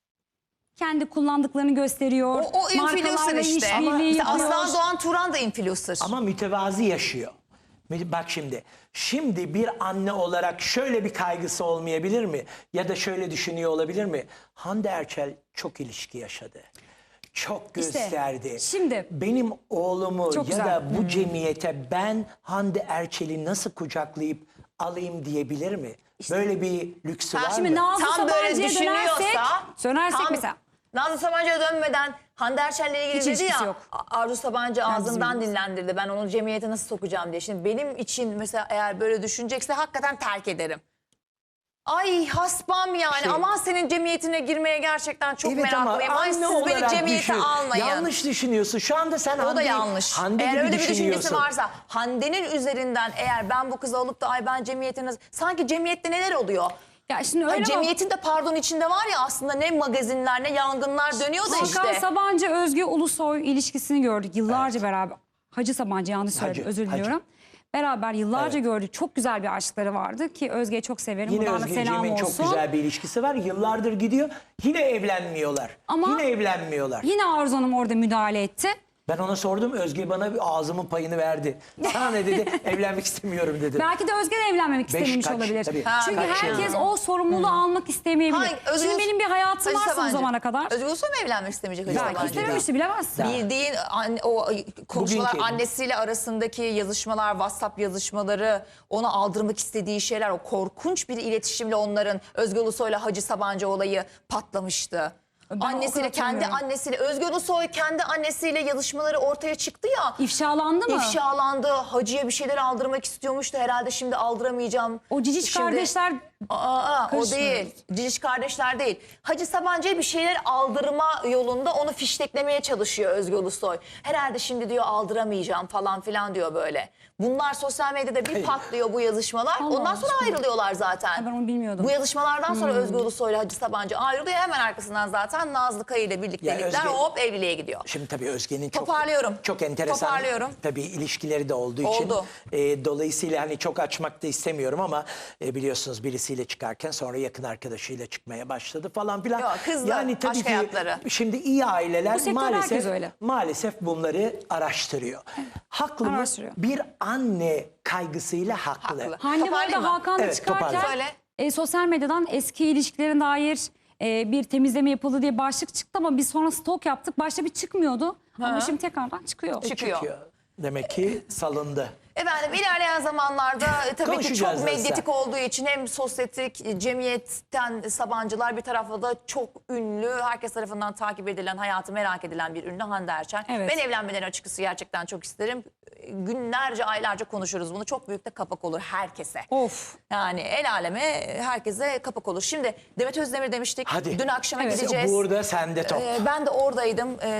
[SPEAKER 2] Kendi kullandıklarını gösteriyor.
[SPEAKER 1] O, o influencer
[SPEAKER 2] markalarla
[SPEAKER 1] işte. Ama
[SPEAKER 2] işbirliği
[SPEAKER 1] mesela
[SPEAKER 2] yapıyor.
[SPEAKER 1] Aslan Doğan Turan da influencer.
[SPEAKER 3] Ama mütevazi yaşıyor. Bak şimdi, şimdi bir anne olarak şöyle bir kaygısı olmayabilir mi? Ya da şöyle düşünüyor olabilir mi? Hande Erçel çok ilişki yaşadı. Çok
[SPEAKER 2] İşte,
[SPEAKER 3] gösterdi.
[SPEAKER 2] şimdi-
[SPEAKER 3] benim oğlumu
[SPEAKER 2] Çok
[SPEAKER 3] ya
[SPEAKER 2] güzel.
[SPEAKER 3] da bu cemiyete ben Hande Erçel'i nasıl kucaklayıp alayım diyebilir mi? Böyle bir lüksü
[SPEAKER 1] Ha,
[SPEAKER 3] var
[SPEAKER 2] Şimdi
[SPEAKER 3] mı?
[SPEAKER 2] Nazlı
[SPEAKER 1] Tam böyle
[SPEAKER 2] Sabancı'ya
[SPEAKER 1] düşünüyorsa,
[SPEAKER 2] dönersek, dönersek
[SPEAKER 1] tam
[SPEAKER 2] mesela.
[SPEAKER 1] Nazlı Sabancı'ya dönmeden Hande Erçel'le ilgili
[SPEAKER 2] Hiç
[SPEAKER 1] dedi
[SPEAKER 2] ilişkisi
[SPEAKER 1] ya
[SPEAKER 2] yok.
[SPEAKER 1] A- Arzu Sabancı ağzından
[SPEAKER 2] bizim
[SPEAKER 1] dinlendirdi. Ben onu cemiyete nasıl sokacağım diye. Şimdi benim için mesela eğer böyle düşünecekse hakikaten terk ederim. Ay hasbam yani
[SPEAKER 3] Şey-
[SPEAKER 1] aman senin cemiyetine girmeye gerçekten çok
[SPEAKER 3] Evet ama
[SPEAKER 1] meraklıyım. Ay
[SPEAKER 3] anne
[SPEAKER 1] siz beni
[SPEAKER 3] olarak
[SPEAKER 1] cemiyete
[SPEAKER 3] düşün.
[SPEAKER 1] almayın.
[SPEAKER 3] Yanlış düşünüyorsun. Şu anda sen
[SPEAKER 1] O da
[SPEAKER 3] Hande,
[SPEAKER 1] yanlış.
[SPEAKER 3] Hande
[SPEAKER 1] Eğer
[SPEAKER 3] gibi
[SPEAKER 1] öyle bir düşüncesi
[SPEAKER 3] düşünüyorsun.
[SPEAKER 1] varsa Hande'nin üzerinden eğer ben bu kızı alıp da ay ben cemiyetine... Sanki cemiyette neler oluyor?
[SPEAKER 2] Ya şimdi
[SPEAKER 1] Ay,
[SPEAKER 2] öyle bak-
[SPEAKER 1] cemiyetin de pardon içinde var ya aslında ne magazinler ne yangınlar dönüyor da
[SPEAKER 2] Hakan
[SPEAKER 1] işte.
[SPEAKER 2] Sabancı, Özge Ulusoy ilişkisini gördük yıllarca beraber. Hacı Sabancı yanlış söyledim,
[SPEAKER 3] Hacı,
[SPEAKER 2] özür
[SPEAKER 3] Hacı.
[SPEAKER 2] diliyorum. Beraber yıllarca
[SPEAKER 3] Evet.
[SPEAKER 2] gördük. Çok güzel bir aşkları vardı ki Özge'yi çok severim.
[SPEAKER 3] Yine
[SPEAKER 2] Buradan da selam
[SPEAKER 3] Özgeciğimin
[SPEAKER 2] olsun.
[SPEAKER 3] çok güzel bir ilişkisi var. Yıllardır gidiyor. Yine evlenmiyorlar.
[SPEAKER 2] Ama-
[SPEAKER 3] Yine evlenmiyorlar.
[SPEAKER 2] Yine Arzu Hanım orada müdahale etti.
[SPEAKER 3] Ben ona sordum. Özge bana bir ağzımın payını verdi. Sana ne dedi? Evlenmek istemiyorum dedi.
[SPEAKER 2] Belki de Özge de evlenmemek istememiş
[SPEAKER 3] kaç,
[SPEAKER 2] olabilir.
[SPEAKER 3] tabii.
[SPEAKER 1] Ha,
[SPEAKER 2] Çünkü
[SPEAKER 1] kaç
[SPEAKER 2] herkes
[SPEAKER 1] yıl?
[SPEAKER 2] o sorumluluğu almak istemeyebilir.
[SPEAKER 1] Hayır, Özgür-
[SPEAKER 2] Şimdi benim bir hayatım
[SPEAKER 1] Hacı
[SPEAKER 2] varsa bu
[SPEAKER 1] Sabancı.
[SPEAKER 2] zamana kadar.
[SPEAKER 1] Özgür Ulusoy mu evlenmek istemeyecek Hacı
[SPEAKER 2] Belki
[SPEAKER 1] Sabancı?
[SPEAKER 2] istememişti, bilemezsin.
[SPEAKER 1] Bildiğin anne, o konuşmalar,
[SPEAKER 3] Bugünkü-
[SPEAKER 1] annesiyle arasındaki yazışmalar, WhatsApp yazışmaları, ona aldırmak istediği şeyler, o korkunç bir iletişimle onların Özgür Ulusoy'la Hacı Sabancı olayı patlamıştı.
[SPEAKER 2] Ben o
[SPEAKER 1] annesiyle,
[SPEAKER 2] kadar
[SPEAKER 1] kendi
[SPEAKER 2] hatırlamıyorum.
[SPEAKER 1] annesiyle, Özgür Ulusoy kendi annesiyle yazışmaları ortaya çıktı ya.
[SPEAKER 2] İfşalandı mı?
[SPEAKER 1] İfşalandı. Hacı'ya bir şeyler aldırmak istiyormuş da herhalde şimdi aldıramayacağım.
[SPEAKER 2] O cicic
[SPEAKER 1] Şimdi-
[SPEAKER 2] kardeşler
[SPEAKER 1] Aa, o
[SPEAKER 2] Karışmıyor.
[SPEAKER 1] değil. Cicic kardeşler değil. Hacı Sabancı'ya bir şeyler aldırma yolunda onu fişteklemeye çalışıyor Özgür Ulusoy. Herhalde şimdi diyor aldıramayacağım falan filan diyor böyle. Bunlar sosyal medyada bir patlıyor bu yazışmalar.
[SPEAKER 2] Allah
[SPEAKER 1] Ondan sonra
[SPEAKER 2] aşkına.
[SPEAKER 1] ayrılıyorlar zaten.
[SPEAKER 2] Ben onu bilmiyordum.
[SPEAKER 1] Bu yazışmalardan sonra Özgür Ulusoy ile Hacı Sabancı ayrılıyor. Hemen arkasından zaten Nazlı Kaya ile birliktelikler
[SPEAKER 3] Özge-
[SPEAKER 1] hop evliliğe gidiyor.
[SPEAKER 3] Şimdi tabii Özge'nin çok
[SPEAKER 1] Toparlıyorum.
[SPEAKER 3] çok enteresan
[SPEAKER 1] Toparlıyorum.
[SPEAKER 3] tabii ilişkileri de olduğu
[SPEAKER 1] Oldu.
[SPEAKER 3] için e, dolayısıyla hani çok açmak da istemiyorum ama e, biliyorsunuz birisiyle çıkarken sonra yakın arkadaşıyla çıkmaya başladı falan filan.
[SPEAKER 1] Yok, kızdı. Aşk hayatları.
[SPEAKER 3] Şimdi iyi aileler
[SPEAKER 2] Bu sektör herkes
[SPEAKER 3] maalesef
[SPEAKER 2] öyle.
[SPEAKER 3] maalesef bunları araştırıyor. Haklı mı?
[SPEAKER 2] Araştırıyor.
[SPEAKER 3] Bir anne kaygısıyla haklı.
[SPEAKER 1] Haklı.
[SPEAKER 2] Hande bu
[SPEAKER 1] Toparlayayım
[SPEAKER 2] arada
[SPEAKER 1] mı?
[SPEAKER 2] Hakan'la
[SPEAKER 3] Evet,
[SPEAKER 2] çıkarken
[SPEAKER 3] toparla.
[SPEAKER 1] Söyle.
[SPEAKER 2] e, sosyal medyadan eski ilişkilerine dair e, bir temizleme yapıldı diye başlık çıktı ama biz sonra stok yaptık. Başta bir çıkmıyordu ama şimdi tekrardan çıkıyor.
[SPEAKER 1] Çıkıyor.
[SPEAKER 3] Çıkıyor. Demek ki salındı.
[SPEAKER 1] Efendim ilerleyen zamanlarda e, tabii ki
[SPEAKER 3] Konuşacağız
[SPEAKER 1] çok medyatik
[SPEAKER 3] nasılsa.
[SPEAKER 1] olduğu için hem sosyetik e, cemiyetten Sabancılar bir tarafta da çok ünlü, herkes tarafından takip edilen, hayatı merak edilen bir ünlü Hande Erçel.
[SPEAKER 2] Evet.
[SPEAKER 1] Ben evlenmeden açıkçası gerçekten çok isterim. E, Günlerce, aylarca konuşuruz bunu. Çok büyük de kapak olur herkese.
[SPEAKER 2] Of.
[SPEAKER 1] Yani el aleme herkese kapak olur. Şimdi Demet Özdemir demiştik.
[SPEAKER 3] Hadi.
[SPEAKER 1] Dün akşama
[SPEAKER 2] Evet.
[SPEAKER 1] gideceğiz.
[SPEAKER 3] Burada sende top.
[SPEAKER 1] E, ben de oradaydım. E,